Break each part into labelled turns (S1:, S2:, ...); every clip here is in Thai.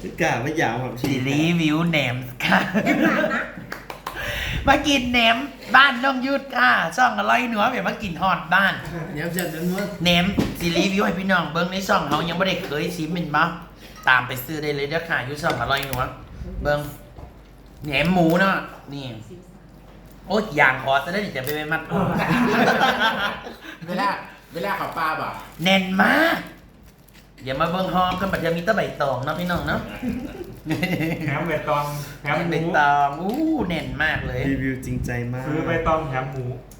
S1: กะไม่อยากแบบ
S2: สิรีวิวแหนมค่ะมากินแหนมบ้านน้องยุทธค่ะช่องอร่อยหนัวแบบมากินฮอดบ้าน
S1: แหนมเสร็จแล้วเนาะ
S2: แหนมสิรีวิวให้พี่น้องเบิ้งในช่องเขายังไม่ได้เคยชิมเป็นบ้าตามไปซื้อได้เลยเด้อค่ะอยู่ช่องอร่อยหนัวเบิ้งแหนมหมูเนาะนี่โอ้ยอย่างขอจะได้จะไปมัด
S3: เวลาเขาปลาบ่
S2: แน่นมากอย่ามาเบิ้งหอมกันปัจจุบันมีแตะใบตองเนาะพี่น้องเนาะ
S4: แถมใบตองแถมห
S2: ใบ
S4: มู
S2: ตองแน่นมากเลย
S1: รีวิวจริงใจมาก
S4: ซื้อใบตองแถมหมู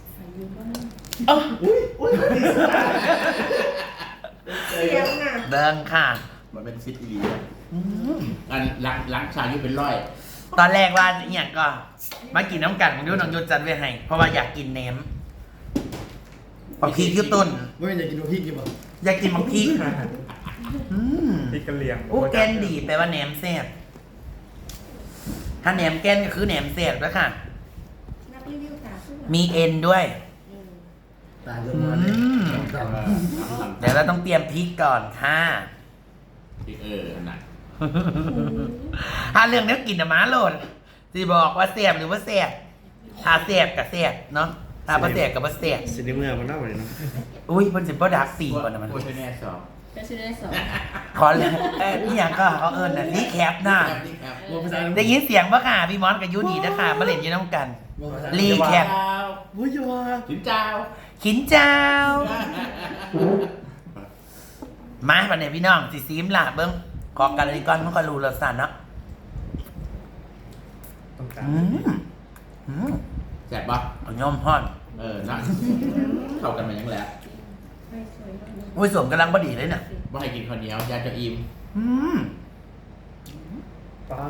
S5: เสียงอ่ะ
S2: เบิ้งค่ะ
S3: มันเป็นฟิตอีหลีอันล้างชาอยู่เป็นร้อย
S2: ตอนแรกว่าอย่างก็มากินน้ำกันของยุทธน้องยุทธจัดไว้ให้เพราะว่าอยากกินแหนมปักพริกยุต้น
S1: ไม่อยากกินพริกกี่บ่
S2: อยากกินมักพริก
S4: พริกกะเหรี่ยง
S2: โอ้แกนดีแปลว่าแหนมแซ่บถ้าแหนมแกนก็คือแหนมแซ่บแล้วค่ะ
S5: นักรีวิวค่ะ
S2: มีเอ็นด้วย
S1: ตายเลยวันนี้
S2: เดี๋ยวเราต้องเตรียมพริกก่อนค่ะ
S3: น่ะ
S2: ถ้าเรื่องนี้กินอะม้าโหลดที่บอกว่าแซ่บหรือว่าแซ่บถ้าแซ่บกับแซ่บเนาะถ้าบ่แซ่บกับบ่แซ่บ
S1: สิได้เมื่อมันน่าหวานเนาะ
S2: อุ้ยมันสิบ่ดักปีก่อนนะมัน
S3: โอ้ยแน่สอง
S5: เป็นชื่อได้สอง
S2: ขอเลยนี่อย่างก็เขาเอิญน่ะรีแคปหน้า
S3: นี่ครับ
S1: บอกภาษา
S2: ได้ยินเสียงปะค่ะพี่มอสกับยูนีนะคะมาเล่นอยืนน้ำกัน
S1: บอกภาษา
S2: รีแคป
S1: โอ้ยว่า
S3: ถึงเจ้า
S2: ขินเจ้า มาวันนี้พี่น้องสิซีมล่ะเบิ้งขอกันเลยก่อนมันก็รู้รสชาติเนาะ
S4: ต้องการ
S3: แซ่บปะ
S2: เอาย่อมห่อน
S3: นะเข้ากันมายังแล้ว
S2: อุ้ยสวมกำลังพอดีเลยเนี่ย
S3: ว่าให้กินข้าวเหนียวยาจะอิ่ม
S2: อืม
S4: ปลา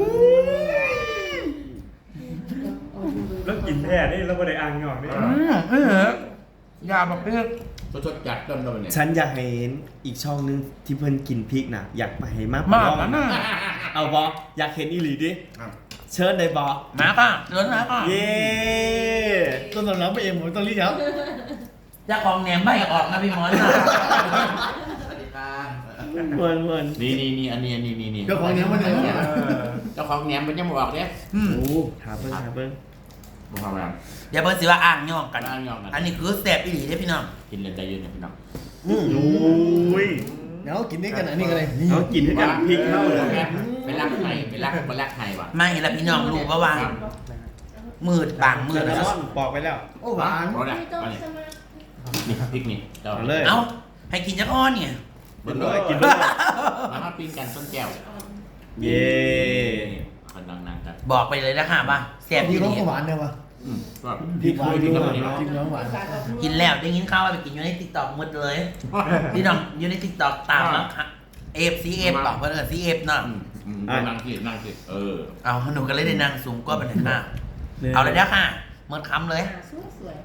S4: แล้วกินแท้นี่แล้วก็ได้อ่างหยอกนี่
S2: ยาแบบเพื่อ
S3: สดๆจัดต้นเลยเนี่ย
S1: ฉันอยากเห็นอีกช่องนึงที่เพิ่นกินพริกน่ะอยากไปให้มาก
S2: มากนะน่ะ
S1: เอาบออยากเห็นอีหลีดิเชิญได้บอ
S2: มาค่ะเดินมาค่ะ
S1: เย้ต้นสำรับไปเองผมต้องรีบครับ
S2: อยากของแหนมไม่ออกนะพี่มอสนะ
S3: สวัสดีครับ
S1: เหมือนเหมือน
S3: นี่อันนี้
S1: เจ้าของเนี้ยมันเลย
S3: เจ้าของแหนมมันยังบอกเนี่ย
S2: อืม
S1: โอ้ถามเพิ่งถามเพิ่ง
S3: บอกมา
S2: อย่าเพิ่งสิว่าอ่างย่องกัน
S3: อ่างย่องกัน
S2: อันนี้คือแสบอีหลีเด้อพี่น้อง
S3: กินเลยใจเย็นนะพี่น้อง
S1: โอ้ย
S6: เดี๋ยวกินด้วยกันอันนี้กันเลย
S1: เขากินให้กับพริกเข้าเลย
S3: ไปรักไทยไปรักไทยว่ะ
S2: ไม่ละพี่น้องรู้ว่ามืดบางมืด
S1: แล้
S2: แล้ว ว
S1: บอกไปแล้ว
S6: โอ้หวาน
S3: เพราะเนี่ย
S5: ไม่ต้อง
S3: อันนี้
S5: ใช่ไหม
S3: นี่พริกนี่เรา
S1: เอาเลย
S2: เอ้าให้กินจักอ้อนเนี่ย
S3: เบิ้ล
S1: เล
S3: เลย ย
S1: กินด้วย
S3: มาทอดปิ้งกันต้นแก้ว
S1: เย้
S3: คนดังๆกัน
S2: บอกไปเลยนะคะว่าแสบ
S6: พี่
S2: อีห
S6: เขา
S2: ลี
S6: ก็หวานเนี่ยวะ
S3: ก็
S6: พริกหวาน
S3: พริ
S6: ด้
S3: ก
S6: ว
S3: กับ
S6: ย
S3: อันนี้
S6: พริกน้ำหวาน
S2: กินแล้วได้ยินข่าวว่าไปกินอยู่ในติ๊กต็อกหมดเลยพี่น้องอยู่ในติ๊กต็อกตามแล้วค่ะเอฟซีเอฟบอกเพื่อนซีเอฟเนาะ
S3: นั่งสิ
S2: เอาหนูก็เลยได้นั่งสูงก็เป็นค่ะเอาเลยนะค่ะเมื่อคำเลย
S5: สวย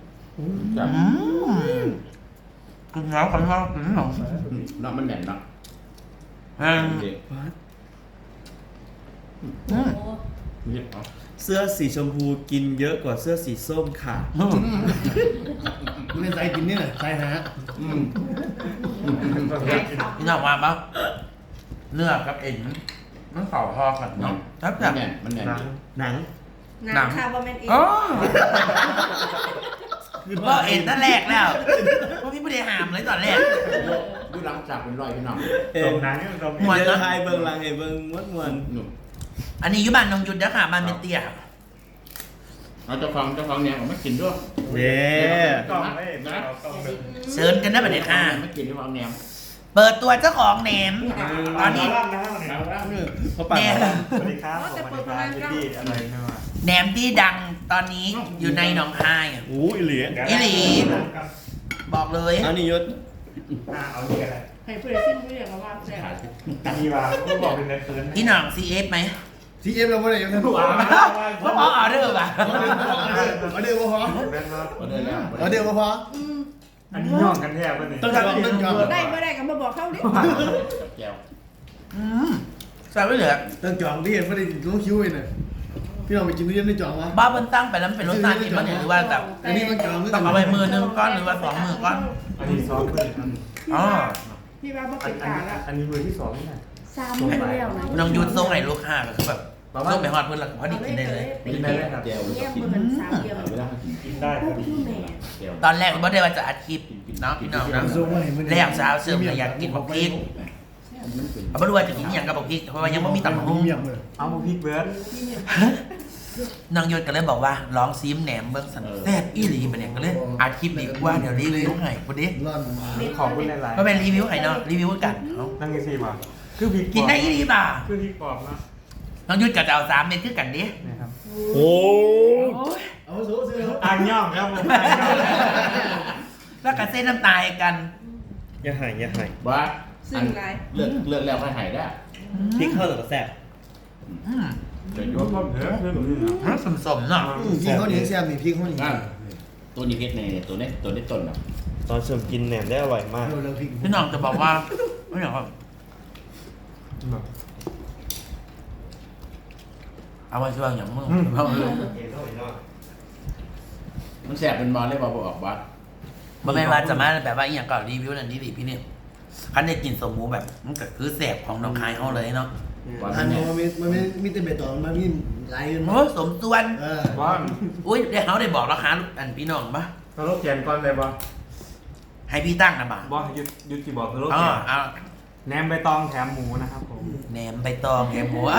S2: กินแล้วกันว่ากินหนอง
S3: เนาะมันแน่นเนาะ
S5: โอ้
S1: เสื้อสีชมพูกินเยอะกว่าเสื้อสีส้มค่ะ
S6: ไม่ใส่กินนี่แหละใส่ฮะ
S2: พี่น้องว่าปะเนื้อกับเอ็นมันเข่าพอกันเนาะครับแบบ
S3: มันแน่น
S1: หนัง
S5: หนังคาร์บอมเมนเอง
S2: อ๋อก็เอ็นตั้งแรกแล้วพวกพี่ไม่ได้หามเลยตอนแรก
S3: ดูหลังจากเป็นรอยพี่น้อง
S4: ตรงนั้นตรง
S2: หมด
S1: เดินไทยเบิ่งลังไอ้เบิ่งมดมวน
S3: หนุ่ม
S2: อันนี้อยุบานนงยุทธนะค่ะบ้านเมเตีย
S3: เราเจ้าของเนี่ยผมไม่กินด้วย
S1: เย้
S4: กล้องไม่เอากล้องเลย
S2: เชิญกันนะบัดนี้ค่ะ
S3: ไม่กินด้วยความแนม
S2: เปิดตัวเจ้าของแหนม ตอนนี้
S1: เขาปาก
S2: แหนม
S4: สวัสดีครับสวัสดีครับพี่อะไรเนาะ
S2: แหนมที่ดังตอนนี้อยู่ในหนองคาย
S1: โอ้ยเหลีย
S2: อีหลี บอกเลย
S1: เอานี่ยศ
S4: เอาที่อะไร
S5: ให้เพื่อนซิ่งเพื่อนมาว่าแซ่บ
S4: มีว่าผู้บอกเป็นในเฟิร์น
S2: พี่หน่องซีเอฟไหม
S6: ทีเอฟเราไม่ได้ยังไงพวก
S2: เพราะออเดอร์ป่ะ
S6: เอาเดี๋ยวพอ
S4: แม่นว่า
S6: เอาเดี๋ยวพอ
S4: อันนี้ย่องกันแท้ป่ะเนี่ย
S6: ต้องยอม
S5: ได้ไม่ได้ก็มาบอกเขาดิ
S3: แก้ว
S2: ใส่ไว้เหลือ
S6: ต้องจองที่เห็นไม่ได้ต้องคิวเลยเนี่ยพี่น้องไปกินทุเรียนได้จองวะ
S2: บ้าบนตั้งไปแล้วมันเป็นรสชาติกินมันหรือว่าแบบ
S6: อันนี้มันจอง
S2: ต้องเอาไปมือนึงก้อนหรือว่า2 มือก้อน
S4: อันนี้ซ้อมเลย
S2: อ๋อ
S5: พี่ว่าบอกเป็นกาละ
S4: อันนี้มือที่2นี่ไง
S5: ส 3 มื้อแล้วนะ
S2: น้องยุทธส่งให้ลูกค้าก็คือแบบส่งไปฮอดเพิ่นแล้วก็พอดีกินได้เลย
S4: กินได้เลยครับ
S3: เจียว
S5: เนี่ยมื้อมัน3เดียว
S3: เวลาเขากิน
S4: กินได้พอดี
S5: แม่
S3: เจียว
S2: ตอนแรกบ่ได้ว่าจะอัดคลิปเนาะพี่น้องเนาะ
S6: ส่งมาให้มัน
S2: แรกสาวเสริมก็อยากกินบักพริกเอาบ่รู้ว่าจะกินอหยังกับบักพริกเพราะว่ายังบ่มีตำบักหุ่ง
S6: เมียมเลย
S4: เอาพริกเบิร์ด
S2: น้องยุทธก็เลยบอกว่าลองซิมแหนมเบิ่งสันแซ่บอีหลีบัดเนี่ยก็เลยอัดคลิปดีกว่าเดี๋ยวรีวิวให้พุ่นดิ
S6: ร่อนมา
S4: ขอบคุณหลาย
S2: บ่แม่นรีวิวให้เนาะรีวิวกันเนาะ
S4: ๆนั่งกินซีมาคือพริก
S2: กินได้อีหลีป่ะ
S4: คือพริกกรอบนะ
S2: น้องยุทธก็จะเอา3เม็ดคือกันดิ
S4: นะครับ
S1: โอ้
S6: เอาโซ่เสื้อ
S4: อ่างย่องครับผมอ่างย่อง
S2: แล้วก็เส้นน้ำตาลกัน
S1: อย่าหายอย่าหาย
S3: ว่า
S5: ซึ่งไร
S3: เลือกแล้วให้หายได้
S1: พริกเข้าหรือแซ่บ
S2: อืม
S3: เดี๋ยว
S4: โย
S3: โย
S4: น
S3: น
S4: พ่อเผือกเพื่อนผมนี่นะ
S2: สมๆเนาะ
S6: พี่เขาเหนียวแซ่บนี่พี่เขาเหนียว
S3: นั่นตัวนี้เพชรในตัวนี้ต้นนะ
S1: ตอนเสริมกินแหนมได้อร่อยมาก
S6: เราพริก
S2: พี่น้องจะบอกว่าไม่อยากครับเอาไว้ช่วงอย่างมึงเอาเลย
S3: มันแสบเป็นบอลเลยบอกออกบ้า
S2: บ่แม่นว่าจะมาแบบว่าอีหยังก็รีวิวนั่นนี่ดิพี่นี่คันได้กินสมหมูแบบมันก็คือแสบของน้องคายเฮาเลยเนาะ
S6: อันนี้มันไม่มีแต่เบ็ดต่อมันมีหลายเงิน
S2: โอ้สมส่วน
S4: ว่า
S2: อุ้ยได้เฮาได้บอกราคาอันพี่น้องปะ
S4: สโลแกนก่อนเลยบ่
S2: ให้พี่ตั้งนะบ่า
S4: บ่ยุดที่บอกสโล
S2: อ๋
S4: แก
S2: อน เอา
S4: แหนมใบตองแถมหมูนะครับผม
S2: แหนมใบตองแหนมหมู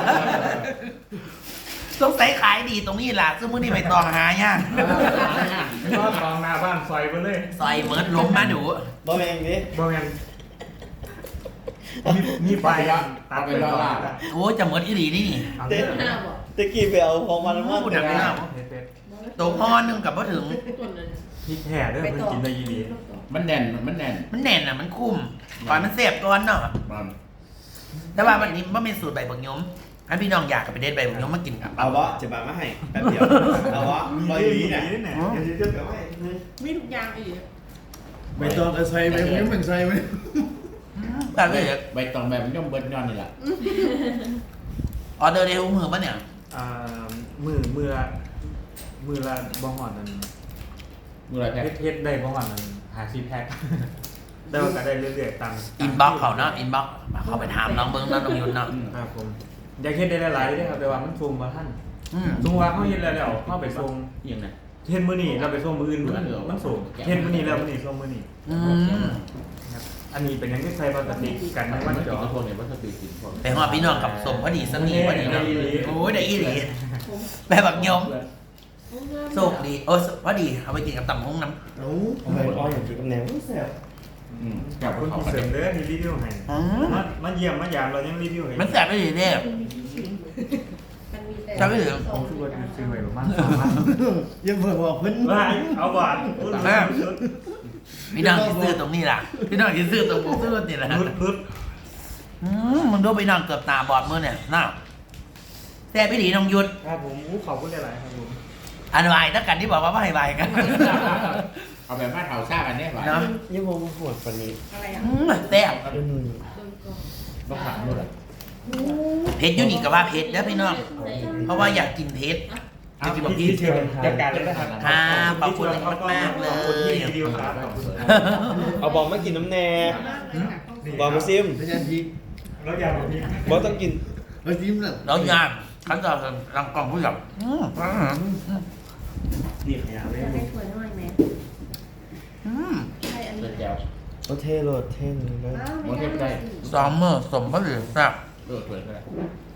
S2: สงสัยขายดีตรงนี้ล่ะซึ่งมื้อนี้ใบตองหายาก
S4: ก็ตองหน้าบ้านซอยไปเลย
S2: ซอยเมิร์ดล้มมาดู
S1: บ่แม่งดิ
S4: บ่แม่นมีไฟตัดไปแล้วล่ะ
S2: โอ้จะเมิร์ดอีหลีนี่นี่
S4: เอาเด้อ
S5: 5บ่
S1: ตะกี้ไปเอาของมันมา
S2: พูดดังไม่เล่า
S4: เป็ด
S2: ตัวพ่อนึงกับพ่อถึง
S4: พริกแห่เด้อเพิ่นกินได้ยีดี
S3: มันแน่น
S2: มันแน่นอ่ะมันคุ้มก่อนมันเสียบก่อนเนาะ
S3: มัน
S2: แต่ว่าวันนี้มันเป็นสูตรใบบักยมให้พี่น้องอยากกับไปเด็ดใบบักยมมากินกับ
S1: เอาวะจะมาให้แป๊บเดียวเอาวะ
S4: มี
S1: ร้อย
S4: ได้
S1: วี
S4: ยี
S1: เนี่ย
S4: ดีเนี่ย
S5: มีทุกอย่างอีก
S6: ใบตองใส่ใบนี้มันใส่ไหม
S2: แบบนี้
S3: ใบตองแบบมันย่อมเบิ้ลย้อนนี่แหละ
S2: ออเดอร์เดลมือปะเนี่ย
S4: มือละบ่หอดนั่น
S3: มืออะไรแพ้
S4: เฮ็ดได้บ่หอดนั่น50แพ็คได้ว่าก็ได้เรื่อยๆตาม
S2: อินบ็อกเขาเนาะอินบ็อกเขาไปถามน้องเบิ้งน้องยุนเนาะ
S4: ครับผมอยากเฮ็ดได้หลายๆเด้อครับแต่ว่ามันส่งบ่ทัน
S2: อืม
S4: สมมุติว่าเฮาเฮ็ดแล้วเฮาไปส่ง
S3: ยังไง
S4: เฮ็ดมื้อนี้เราไปส่งมื้ออื่นมันส่งเฮ็ดมื้อนี้แล้วมื้อนี้ส่งมื้อนี้
S2: อืม
S4: ครับอันนี้เป็นหยังที่ใช้พลาสติกกัน
S3: มั
S4: ไม่
S3: น
S4: ว่า
S3: กิน
S4: จ่อ
S3: กระทงเนี่ยมันสติกินพอ
S2: ไปหอดพี่น้องกับสมพอดีสนีพอดีเนาะโอ้ยได้อีหลีแบบบักยมโชคดีโอ้พอดีเอาไปกินกับตำฮงน้ำ
S6: เอา
S1: เอาไปอ้อยอย่างกินกับแหนมแซ่บ
S3: กับ
S4: คุณ
S3: เขา
S4: เสริมเด้อมีรีวิวให้มาเยี่ยมมายามเรายังรีวิวให้
S2: มันแสบไปเลยเนี่ย
S5: มันมีแต่
S2: จำไม่ถึง
S4: ผมซื้อว่าซื้อไว้ประมาณ3,000
S6: ยังเพิ่งบอกเพิ่น
S4: ว่าเอาบาท
S2: พี่น้องที่ซื้อตรงนี้ล่ะพี่น้องที่ซื้อตรงผมซื้อนี่แหละ
S4: รุด
S2: มึงดูพี่น้องเกือบตาบอดมือเนี่ยน่าแต่พี่ดีน้องยุทธ
S4: ครับผมขอบคุณหลายๆครับผม
S2: อันวายนักกันที่บอกว่าไม่ให้วายกัน
S3: เอาแบบมาเถาซ่ากันเนี่ยหรอ
S2: เนาะ
S1: ยังมองโหดกว่านี้
S5: อะไรอ่ะ
S2: แซ่บ
S1: อืม
S3: ต้องถามด้วย
S2: เพชรยูนิคกับว่าเพชรนะพี่น้อง เพราะว่าอยากกินเพชรอยากกินแบบ
S4: พี่
S2: นี้
S4: เชิญจัดการเลยนะครับ
S2: ครับขอบคุณมากๆเล
S4: ขอบคุณที่
S2: ย
S4: รีวิวครับขอบคุณ
S1: เอาบอมมากินน้ำแน่บอมมาซิม
S6: พยานพริก
S4: แล้วอยากแบบนี้
S1: บอมต้องกิน
S6: แล้วจิ้มน่ะ
S2: แล้วยากขั้นตอนรังกล่องผู้หญิง
S1: นี่ขยะเลย
S5: จะให้ถ้วยน้อยไหมใช่อันนี้
S3: เลือดแก้ว
S1: โอเทโรดเท่นเลย
S2: ซอมเมอร์สมพระเหลืองแซ่บ
S3: เลือดเปิดก็ได้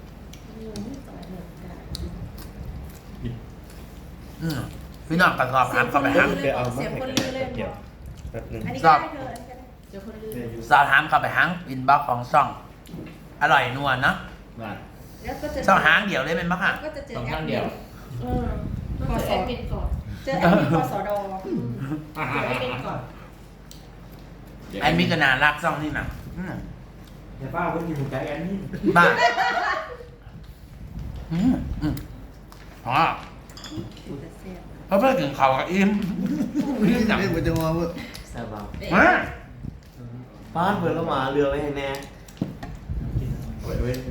S2: พี่น้องกระสอบหามเข้าไปหาม
S1: ไปเอามาให้กันเดี๋ยวแป๊บนึง
S5: อันนี้ก็ได้เธอเดี๋ยวคนลืม
S2: สอบหามเข้าไปหางอินบ็อกของช่อง อร่อยนัวเนาะ
S3: นั่น
S5: แล้วก็จะ
S2: ช่องหางเดี่ยวเลยเป็นปะค่ะ
S5: ก็จะเจอ
S3: ต้อง
S5: แอ
S3: ข้าง
S5: ด
S3: เดียว
S5: พอสอเป็นก่อนเจอแอดมินพอสอดอเจอแอดมินก่อน
S2: ไอ้มิกนารักช่องนี่นะ
S4: อย่าป้าเพิ่งกินหมูไก่อันนี้
S2: บ้าอ๋อเพราะเพื่อนถึงเขากับอิ่ม
S6: นี่จะได้มันจะมาว่า
S1: แซ่บบ้าง
S2: มา
S1: ป้านเปิดแล้วมาเรือไว้ให้แน่
S3: เว้ยเว้ย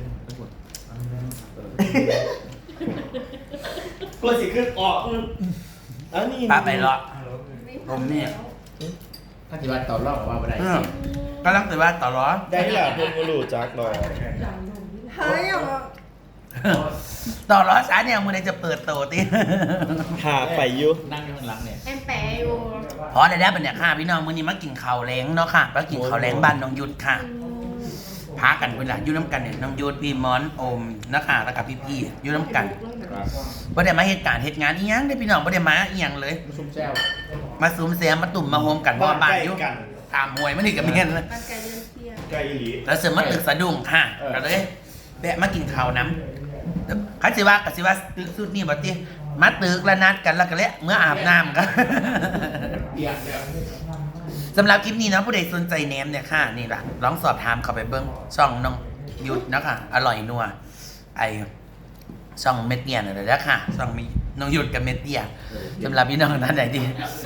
S1: กลัวสิขึ้นออกอันนี้
S2: ป้าไปรอ ผมเนี่ย
S3: ถ้าที่ว่าต่อรอบว่าไม่ได้
S2: กำลังแต่ว่าต่อร้อ
S1: ได้หล่ะเพื่อนมารู้จักหรอ
S5: เฮ้ยอ่ะ
S2: ต่อร้อสาเนี่ยมือไหนจะเปิดโตติ
S1: หาไปอยู่
S3: นั่งอยู่ข้างหลังเนี่ย
S5: แอมแปะอยู่
S2: พอได้แล้วเป็นเนี่ยค่ะพี่น้องมื้อนี้มากินข้าวแรงเนาะค่ะมากินข้าวแรงบ้านน้องยุทธค่ะพากันเวลาอยู่น้ำกันเนี่ยน้องยุทธพี่มอนโอมนะคะแล้วกับพี่ๆอยู่น้ำกันบ่ได้มาเหตุการณ์เหตุงานอีหยังได้อพี่น้องบ่ได้มาอีหยังเลย
S3: ซุ่มแซว
S2: มาซูมเสียมมาตุ่มมาโฮมกันเพราะว่าบ้านอยู่ตามหวยมันนี่กับเมียนเลย
S5: บ้านไกลเดินเที่ยว
S1: ใกล้อีหลี
S2: แล้วเสริมมาตึกสะดุ้งค่ะก็เลยแวะมากินข้าวน้ำเขาสิว่าก็สิว่าตึกสุดนี่บ่ติมาตึกแล้วนัดกันแล้วก็เลยเมื่ออาบน้ำกัน
S3: เปียกเดี๋ยว
S2: สำหรับคลิปนี้นะผู้ใดสนใจแหนมเนี่ยค่ะนี่ล่ะลองสอบถามเข้าไปเบิ้งช่องน้องยุทธนะคะอร่อยนัวไอช่องเม็ดเตียนั่นแหละนะค่ะช่องมีน้องยุทธกับเม็ดเตียสำหรับพี่น้องท่านไหนดี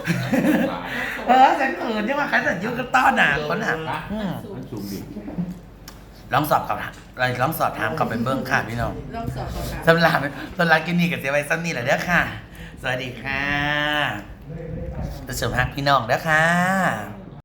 S2: ฉันเขินใช่ไหมคะฉันยุทธก็ต้อนหนาคนอ่ะ
S3: มันสูงดิ
S2: ลองสอบเข้าลองสอบถามเข้าไปเบิ้งค่ะพี่น้อง
S5: ลองสอบก่อน
S2: สำหรับคลิปนี้กับเสียไว้ซ้ำนี่แหละเด้อค่ะ สวัสดีค่ะจะเสริมฮักพี่น้องเด้อค่ะ